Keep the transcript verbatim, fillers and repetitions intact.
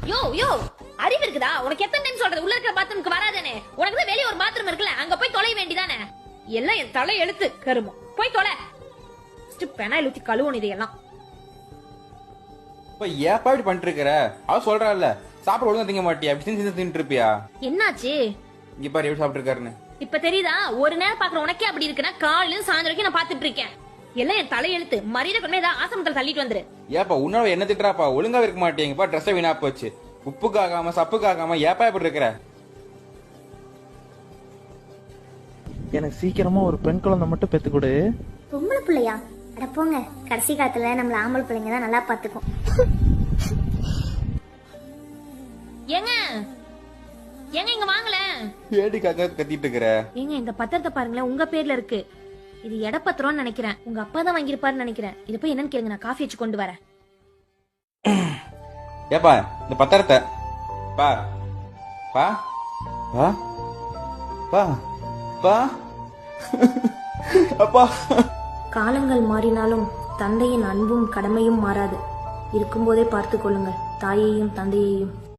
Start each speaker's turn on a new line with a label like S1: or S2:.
S1: யோ யோ அறிவு இருக்குதா உனக்கு? எத்தனை டைம் சொல்றது உள்ள இருக்கிற பாத்ரூமுக்கு வராதேனே? உனக்கு தான் வெளிய ஒரு பாத்ரூம் இருக்குல்ல, அங்க போய் தொலை வேண்டியதானே? எல்லாம் என் தலை எழுத்து கருமம். போய் தொலை. பெனாயில் ஊத்தி கழுவணும் இதையெல்லாம்.
S2: இப்ப ஏப்பா இப்படி பண்ணிட்டு இருக்கிற? அவ சொல்றாள்ல சாப்பிட ஒழுங்கா திங்க மாட்டியா, அப்படி தின்னு தின்னுட்டு இருப்பியா?
S1: என்னாச்சு?
S2: இங்க பாரு எப்படி சாப்பிட்டு இருக்காருன்னு.
S1: இப்ப தெரியுதா? ஒரு நேரம் பாக்குற உனக்கே அப்படி இருக்குன்னா காலையில சாயந்தரம் வரைக்கும் நான் பாத்துட்டு இருக்கேன். எல்லாம் என் தலை எழுத்து. மரியாதை கொண்டு ஏதாவது ஆசமத்துல தள்ளிட்டு வந்துரு.
S2: ஏப்பா உன்னால என்ன திட்டுறாப்பா? ஒழுங்கா இருக்க மாட்டேங்கப்பா. ட்ரெஸ் வீணா போச்சு. உப்புக்காகாம சப்புக்காகாம ஏப்பா இப்படி இருக்கிற?
S3: எனக்கு சீக்கிரமா ஒரு பெண் குழந்தை மட்டும் பெத்து கொடு.
S4: பொம்பளை பிள்ளையா? அட போங்க, கடைசி காலத்துல நம்மள ஆம்பளை பிள்ளைங்க தான் நல்லா பாத்துக்கும்.
S1: ஏங்க ஏங்க இங்க வாங்கல.
S2: ஏடிக்காக கத்திட்டு இருக்கிற?
S1: ஏங்க இந்த பத்திரத்தை பாருங்களேன், உங்க பேர்ல இருக்கு. இது எடப்பத்திரம்னு நினைக்கிறேன். உங்க அப்பா தான் வாங்கிருப்பாருன்னு நினைக்கிறேன். இது போய் என்னன்னு கேளுங்க, நான் காஃபி வச்சு கொண்டு வரேன்.
S2: ஏப்பா இந்த பத்திரத்தை பா பா பா பா பா அப்பா.
S5: காலங்கள் மாறினாலும் தந்தையின் அன்பும் கடமையும் மாறாது. இருக்கும்போதே பார்த்து கொள்ளுங்கள் தாயையும் தந்தையையும்.